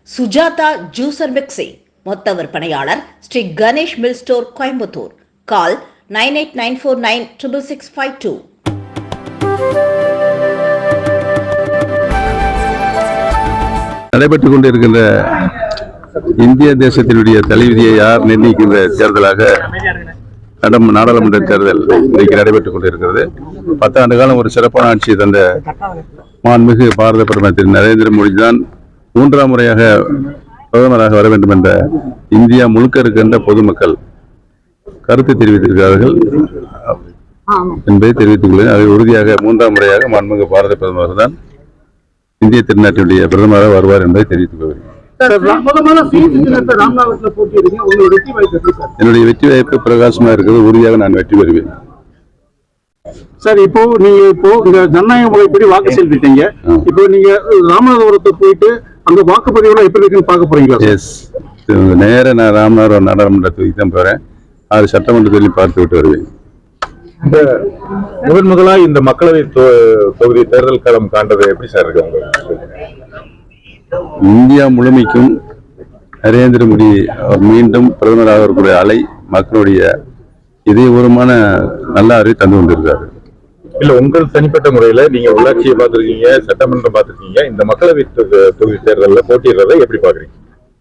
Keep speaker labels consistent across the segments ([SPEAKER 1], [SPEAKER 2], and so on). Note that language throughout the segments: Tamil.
[SPEAKER 1] சுஜாதா ஜூசர் மிக்சி மொத்த விற்பனையாளர் Sri Ganesh mill store Coimbatore. Call 9894966652.
[SPEAKER 2] நடைபெற்றுக் கொண்டிருக்கின்ற இந்திய தேசத்தினுடைய தலைவிதியை யார் நிர்ணயிக்கின்ற தேர்தலாக நாடாளுமன்ற தேர்தல் இன்றைக்கு நடைபெற்றுக் கொண்டிருக்கிறது. 10 ஆண்டு காலம் ஒரு சிறப்பான ஆட்சியை தந்த மாண்புமிகு பாரத பிரதமர் திரு நரேந்திர மோடி தான் 3ஆம் முறையாக பிரதமராக வர வேண்டும் என்ற இந்தியா முழுக்க இருக்கின்ற பொதுமக்கள் கருத்து தெரிவித்திருக்கிறார்கள் என்பதை தெரிவித்துக் கொள்கிறேன். அதை உறுதியாக 3ஆம் முறையாக மாண்புமிகு பாரத பிரதமர் தான் இந்திய திருநாட்டினுடைய பிரதமராக வருவார் என்பதை தெரிவித்துக் கொள்கிறேன். என்னுடைய வெற்றி வாய்ப்பு பிரகாசமா இருக்கிறது. உறுதியாக நான் வெற்றி பெறுவேன்.
[SPEAKER 3] சார், இப்போ நீங்க இந்த ஜனநாயக முறைப்படி வாக்கு செலுத்திட்டீங்க. இப்போ நீங்க ராமநாதபுரத்தை போயிட்டு அங்க வாக்குப்பதிவுல எப்படி இருக்குன்னு பார்க்க போறீங்களா?
[SPEAKER 2] எஸ், நேர நான் ராமநாதபுரம் நாடாளுமன்ற தொகுதிக்கு தான் போறேன். 6 சட்டமன்ற தொகுதியில் பார்த்து விட்டு வருவேன்.
[SPEAKER 4] இந்த முதலா இந்த மக்களவை தொகுதி தேர்தல் களம் காண்றது எப்படி சார் இருக்கு?
[SPEAKER 2] இந்தியா முழுமைக்கும் நரேந்திர மோடி மீண்டும் பிரதமராக இருக்கக்கூடிய அலை மக்களுடைய இதயபூர்வமான நல்ல அறிவை தந்து கொண்டிருக்காரு.
[SPEAKER 4] இல்ல, உங்கள் தனிப்பட்ட முறையில நீங்க உள்ளாட்சியை பார்த்திருக்கீங்க, சட்டமன்றம் பார்த்திருக்கீங்க, இந்த மக்களவை தொகுதி தேர்தலில் போட்டியிடுறதை எப்படி பாக்குறீங்க?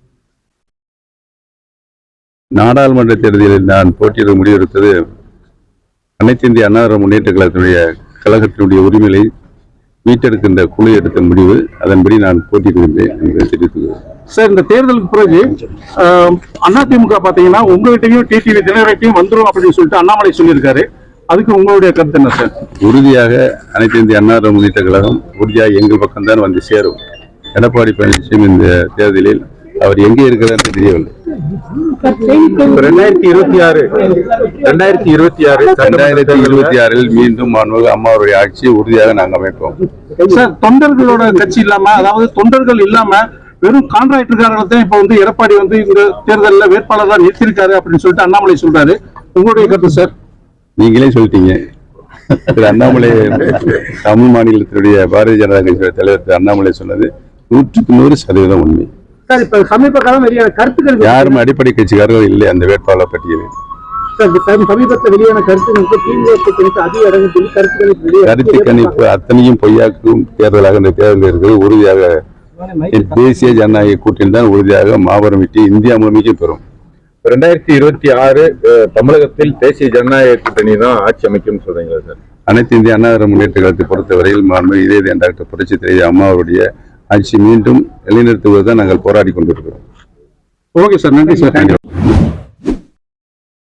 [SPEAKER 2] நாடாளுமன்ற தேர்தலில் நான் போட்டியிட முடிவெடுத்தது அனைத்து இந்திய அண்ணா திராவிட முன்னேற்ற கழகத்தினுடைய உரிமையை மீட்டெடுக்கின்ற குழு எடுத்த முடிவு. அதன்படி நான் போட்டியிடுகின்றேன் என்று தெரிவித்துள்ளேன்.
[SPEAKER 3] சார், இந்த தேர்தலுக்கு பிறகு அதிமுக பாத்தீங்கன்னா உங்ககிட்டையும் டிடிவி தினகரனையும் வந்துடும் அப்படின்னு சொல்லிட்டு அண்ணாமலை சொல்லியிருக்காரு. அதுக்கு உங்களுடைய கருத்து என்ன சார்?
[SPEAKER 2] உறுதியாக அனைத்து இந்திய அண்ணா திராவிட முன்னேற்ற கழகம் உறுதியாக எங்கள் பக்கம்தான் வந்து சேரும். எடப்பாடி பழனிசாமி இந்த தேர்தலில் அவர் எங்கே இருக்கிறார் என்று தெரியவில்லை. 2026 மீண்டும் அம்மாவுடைய ஆட்சியை உறுதியாக நாங்கள் அமைப்போம்.
[SPEAKER 3] சார், தொண்டர்களோட கட்சி இல்லாம, அதாவது தொண்டர்கள் இல்லாம வெறும் கான்ட்ராக்டர்காரர்கள் தான் இப்ப வந்து எடப்பாடி வந்து இந்த தேர்தலில் வேட்பாளர் தான் நிறுத்திருக்காரு அப்படின்னு சொல்லிட்டு அண்ணாமலை சொல்றாரு. உங்களுடைய கருத்து சார்?
[SPEAKER 2] நீங்களே சொல்லிட்டீங்க. திரு அண்ணாமலை தமிழ் மாநிலத்தினுடைய பாரதிய ஜனதா கட்சியுடைய தலைவர் திரு அண்ணாமலை சொன்னது 100% உண்மை.
[SPEAKER 3] சார், இப்ப சமீப காலம் வெளியான கருத்துக்கள்
[SPEAKER 2] யாரும் அடிப்படை கட்சிக்காரர்கள் இல்லை அந்த வேட்பாளர் பட்டியலில்.
[SPEAKER 3] சமீபத்தில் வெளியான கருத்து
[SPEAKER 2] கணிப்பு அத்தனையும் பொய்யாக்கும் தேர்தலாக இந்த தேர்தல் இருக்கிறது. உறுதியாக தேசிய ஜனநாயக கூட்டணி தான் உறுதியாக மாபெரும் வெற்றி இந்தியா முழுமைக்கும் பெறும்.
[SPEAKER 4] 2026 தமிழகத்தில் தேசிய ஜனநாயக கூட்டணி தான் ஆட்சி அமைக்கும் சொல்றீங்களா சார்?
[SPEAKER 2] அனைத்து இந்திய அண்ணா திராவிட முன்னேற்ற கழகத்தை பொறுத்தவரையில் இதே டாக்டர் புரட்சி தலைவி அம்மாவுடைய ஆட்சி மீண்டும் நிலைநிறுத்துவதுதான் நாங்கள் போராடி கொண்டிருக்கிறோம்.
[SPEAKER 3] ஓகே சார், நன்றி சார்.